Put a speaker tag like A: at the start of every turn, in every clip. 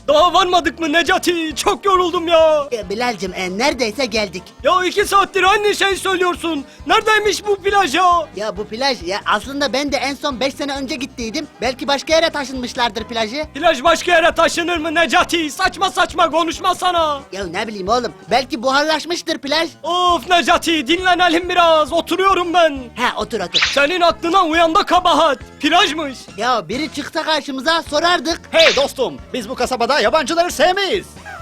A: Daha varmadık mı Necati? Çok yoruldum ya.
B: Bilal'cim neredeyse geldik.
A: Ya 2 saattir aynı şey söylüyorsun. Neredeymiş bu plaj ya?
B: Ya bu plaj ya aslında ben de en son 5 sene önce gittiydim. Belki başka yere taşınmışlardır plajı.
A: Plaj başka yere taşınır mı Necati? Saçma saçma konuşma sana.
B: Ya ne bileyim oğlum. Belki buharlaşmıştır plaj.
A: Of Necati, dinlenelim biraz. Oturuyorum ben.
B: Ha otur otur.
A: Senin aklına uyan da kabahat. Plajmış.
B: Ya biri çıksa karşımıza sorardık.
C: Hey dostum, biz bu kasabada yabancıları sevmeyiz.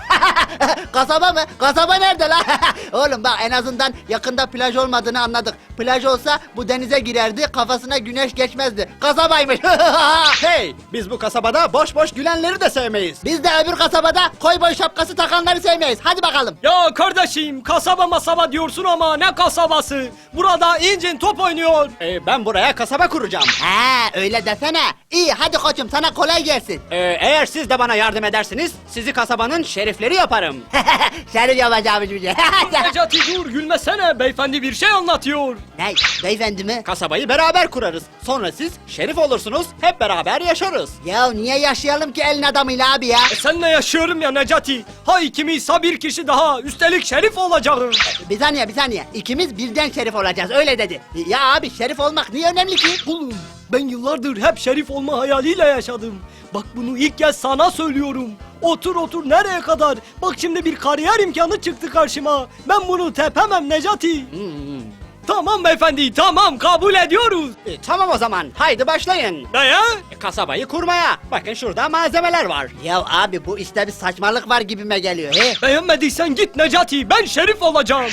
B: Kasaba mı? Kasaba nerede la? Oğlum bak en azından yakında plaj olmadığını anladık. Plaj olsa bu denize girerdi, kafasına güneş geçmezdi. Kasabaymış.
C: Hey, biz bu kasabada boş boş gülenleri de sevmeyiz.
B: Biz de öbür kasabada koy boy şapkası takanları sevmeyiz. Hadi bakalım.
A: Ya kardeşim, kasaba masaba diyorsun ama ne kasabası? Burada incin top oynuyor.
C: Ben buraya kasaba kuracağım.
B: Ha öyle desene. İyi hadi koçum sana kolay gelsin.
C: Eğer siz de bana yardım edersiniz, sizi kasabanın şerifleri yaparım.
B: Şerif yapacağımız bir şey.
A: Necati dur, gülmesene. Beyefendi bir şey anlatıyor.
B: Ne? Beyefendi mi?
C: Kasabayı beraber kurarız. Sonra siz şerif olursunuz, hep beraber yaşarız.
B: Ya niye yaşayalım ki elin adamıyla abi ya?
A: Senle yaşıyorum ya Necati. Ha ikimizse bir kişi daha. Üstelik şerif olacağım.
B: Bir saniye bir saniye. İkimiz birden şerif olacağız öyle dedi. Ya abi şerif olmak niye önemli ki?
A: Oğlum ben yıllardır hep şerif olma hayaliyle yaşadım. Bak bunu ilk kez sana söylüyorum. Otur otur nereye kadar? Bak şimdi bir kariyer imkanı çıktı karşıma. Ben bunu tepemem Necati. Tamam beyefendi, tamam, kabul ediyoruz.
C: Tamam o zaman, haydi başlayın.
A: Ne ya?
C: Kasabayı kurmaya. Bakın şurada malzemeler var.
B: Ya abi bu işte bir saçmalık var gibime geliyor. He?
A: Beğenmediysen git Necati, ben şerif olacağım.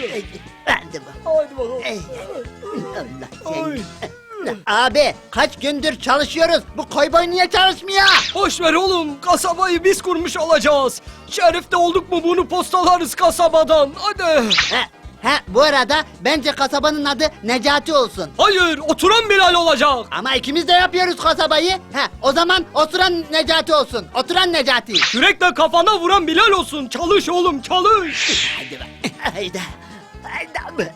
B: Hadi bak.
A: Haydi bakalım.
B: Allah
A: Ay.
B: seni. Abi kaç gündür çalışıyoruz. Bu koyboy niye çalışmıyor?
A: Boş ver oğlum, kasabayı biz kurmuş olacağız. Şerif de olduk mu bunu postalarız kasabadan, hadi.
B: Bu arada bence kasabanın adı Necati olsun.
A: Hayır, oturan Bilal olacak.
B: Ama ikimiz de yapıyoruz kasabayı. O zaman oturan Necati olsun. Oturan Necati.
A: Kürekle kafana vuran Bilal olsun. Çalış oğlum, çalış.
B: Hadi bak. Haydi. Haydi.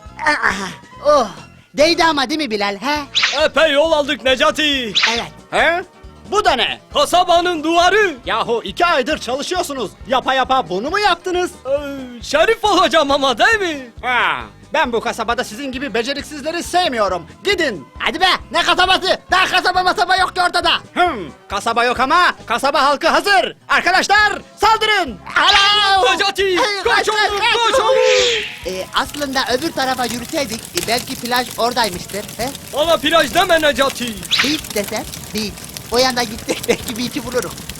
B: Oh. Değdi ama değil mi Bilal? He?
A: Epey yol aldık Necati.
B: Evet.
C: He? Bu da ne?
A: Kasabanın duvarı.
C: Yahu 2 aydır çalışıyorsunuz. Yapa yapa bunu mu yaptınız?
A: Şerif olacağım ama değil mi?
C: Ha, ben bu kasabada sizin gibi beceriksizleri sevmiyorum. Gidin.
B: Hadi be. Ne kasabası? Daha kasaba masaba yok ki ortada.
C: Kasaba yok ama kasaba halkı hazır. Arkadaşlar saldırın.
B: Alo.
A: Necati,
B: Hey,
A: koş oğlum, koş oğlum.
B: Aslında öbür tarafa yürüseydik belki plaj oradaymıştır. He?
A: Bana plaj deme Necati.
B: Beach desen beach. O yana gittik belki beach'i buluruz.